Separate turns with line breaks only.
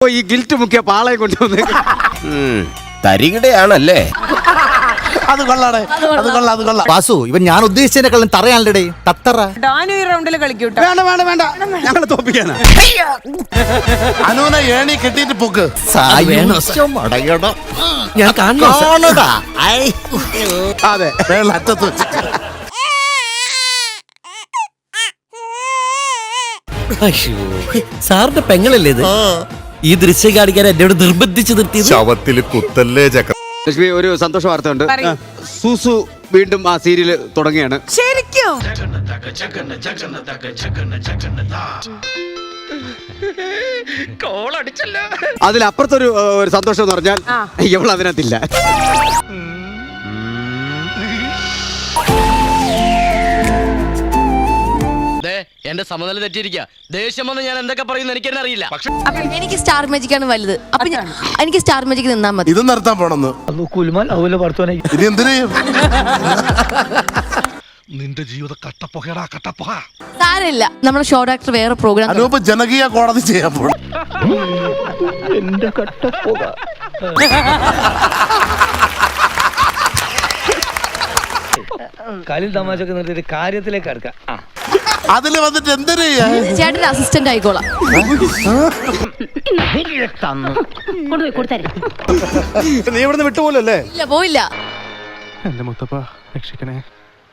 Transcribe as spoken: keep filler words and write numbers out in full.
ഈ ഗിൽറ്റ് മുക്കിയ പാളയെ കൊണ്ടുവന്ന്
തരികിടയാണല്ലേ?
അത് കൊള്ളാടേ, അത് കൊള്ളാം, അത് കൊള്ളാം.
വാസു, ഇവൻ ഞാൻ ഉദ്ദേശിച്ചതിനെക്കാളും തറയാണല്ലേ തത്തറ.
ഡാനു ഈ റൗണ്ടിൽ കളിക്കൂട്ടോ.
വേണ്ട വേണ്ട വേണ്ട, ഞങ്ങളെ തോപ്പിക്കാനാ.
അനുവിനെ ഏണി കെട്ടിയിട്ട് പൊക്ക്.
ഞാൻ കാണണതാ.
അതെ,
വേള അറ്റത്ത് വെച്ചിട്ട്.
സാറിന്റെ പെങ്ങളല്ലേ ഇത്? ഈ ദൃശ്യം കാണിക്കാൻ എന്നോട് നിർബന്ധിച്ച് നിർത്തി.
ശവത്തിൽ കുത്തല്ലേ ചക്ക.
ലക്ഷ്മി, ഒരു സന്തോഷ വാർത്ത ഉണ്ട്.
പറയൂ.
സൂസു വീണ്ടും ആ സീരിയൽ തുടങ്ങിയാണ്.
ശരിക്കും
അതിലപ്പുറത്തൊരു ഒരു സന്തോഷം എന്ന് പറഞ്ഞാൽ ഇവൾ അതിനകത്തില്ല.
എന്റെ സമനില തെറ്റിയിരിക്കുക. ദേഷ്യം വന്ന് ഞാൻ എന്തൊക്കെ പറയുന്നു എനിക്ക് തന്നെ അറിയില്ല.
എനിക്ക് സ്റ്റാർ മാജിക് ആണ് വലുത്. അപ്പൊ എനിക്ക് സ്റ്റാർ മാജിക് നിന്നാ മതി.
ഇത് നിർത്താൻ പോണെന്ന് ഇനി എന്തിനു
നിന്റെ ജീവിത കട്ടപ്പുകടാ കട്ടപ്പുക.
സാരമില്ല, നമ്മുടെ ഷോ ഡോക്ടർ വേറെ പ്രോഗ്രാം.
അനൂപ് ജനകീയ കോടതി ചെയ്യാൻ പോണം.
കളി തമാശക്ക് നിർത്തിയിട്ട് കാര്യത്തിലേക്ക് അടുക്കാം.
അതില് വന്നിട്ട് എന്തിനു
ചേട്ടന്റെ അസിസ്റ്റന്റ് ആയിക്കോളാം.
നീ ഇവിടുന്ന് വിട്ടുപോലല്ലേ?
ഇല്ല, പോയില്ല.
എന്റെ മുത്തപ്പ രക്ഷിക്കണേ.